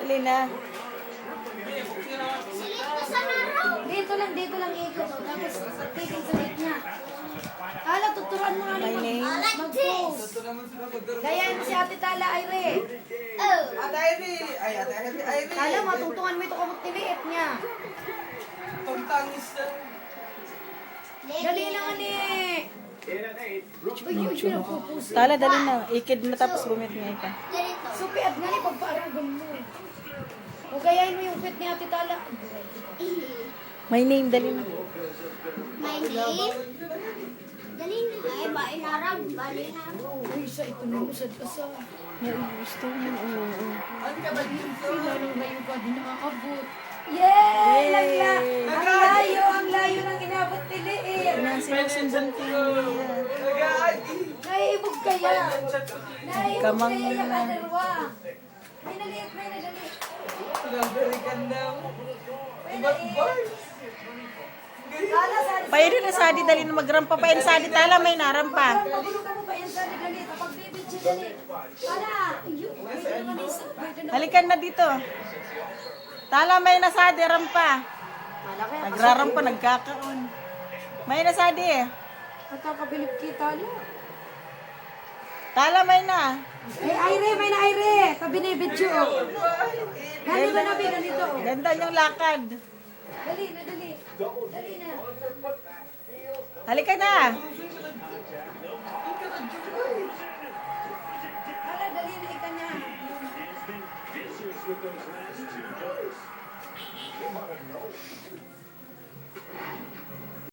Dali na. Dito lang ikot. Tapos, tigil sa gate niya. Hala, tuturuan mo nga My name? mag-post. Gayahin mo si Ate Tala, Ayre. Ate Ivy! Ay, Ate Ivy! Ivy! Hala, matungtungan mo ito kamot tiliit niya. Pagtangis na. Dali lang, ani. Uy, pinagpupusin. Tala, dali na. Ikid mo tapos gumit nga ka. Supiat nga ni pagpaaragan mo. O gayahin mo yung fit ni Ate Tala. My name, dali na. My name? Dali na. Ay, bainarag. Bali na. Uy, sa ito na musad ka sa. Gusto mo. Oo. Lalo ngayon ka din nakakabot. Yay! Ang layo ng inabot ni Liit. Sinusundan ko yan. Naiibog kaya. Kamang kaya yung na. kaderwa. May naliit. Nabalikan daw. Tala, sali. Pwede na sadi, dali na magrampa pa yan sadi. Tala, may narampa. Magulo ka mo pa yan, sali, dali. Kapag bibidyo, dali. Tala, ayun. Pwede naman isa. Pwede naman. Halikan na dito. Tala, may nasadi, rampa. Malaki. Nagrarampa, nagkakaon. May nasadi eh. Nakakabilib kita, Tala. Tala, may na. May na Ayre. Pabinibidyo. Gani ba nabi, ganito? Ganda yung lakad. Dali na. Dali na. Halika na. Hala, dali na ika na.